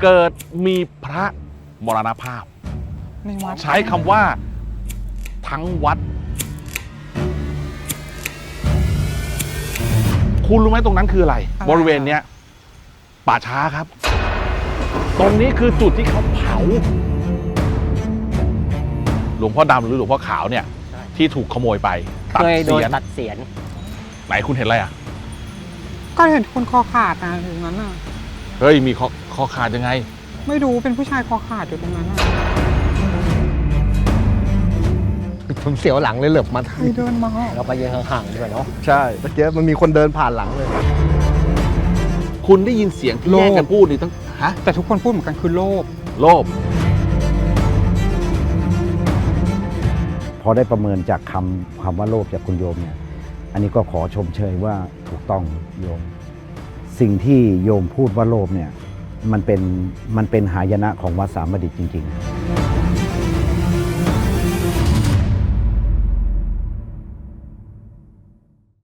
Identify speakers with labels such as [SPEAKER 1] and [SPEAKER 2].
[SPEAKER 1] เกิดมีพระมรณภาพ
[SPEAKER 2] ในวัด
[SPEAKER 1] ใช้คำว่าทั้งวัด คุณรู้ไหมตรงนั้นคืออะไร บริเวณเนี้ยป่าช้าครับ ตรงนี้คือจุดที่เขาเผา หลวงพ่อดำหรือหลวงพ่อขาวเนี่ย ที่ถูกขโมยไปตัด
[SPEAKER 3] เคยโด
[SPEAKER 1] เสี
[SPEAKER 3] น
[SPEAKER 1] ยน
[SPEAKER 3] ตัดเสียน
[SPEAKER 1] ไหนคุณเห็นอะไรอ่ะ
[SPEAKER 2] ก็เห็นคนคอขาดนะตรงนั้นน่ะ
[SPEAKER 1] เฮ้ย มีคอขาดยังไง
[SPEAKER 2] ไม่รู้เป็นผู้ชายคอขาดอยู่ตรงนั้นน่ะ
[SPEAKER 4] ผมเสียวหลังเลยเหลือบมา
[SPEAKER 2] ใครเดินมา
[SPEAKER 3] เราไปยืนห่างๆด้วยเนาะ
[SPEAKER 4] ใช่เมื่อกี้มันมีคนเดินผ่านหลังเลย
[SPEAKER 1] คุณได้ยินเสียงที่แยกกันพูดนี่ตั้งฮะ
[SPEAKER 2] แต่ทุกคนพูดเหมือนกันคือโลภ
[SPEAKER 1] โลภ
[SPEAKER 5] พอได้ประเมินจากคำว่าโลภจากคุณโยมเนี่ย อันนี้ก็ขอชมเชยว่าถูกต้องโยม สิ่งที่โยมพูดว่าโลภเนี่ย มันเป็นหายนะของวัดสามบดิตจริง ๆ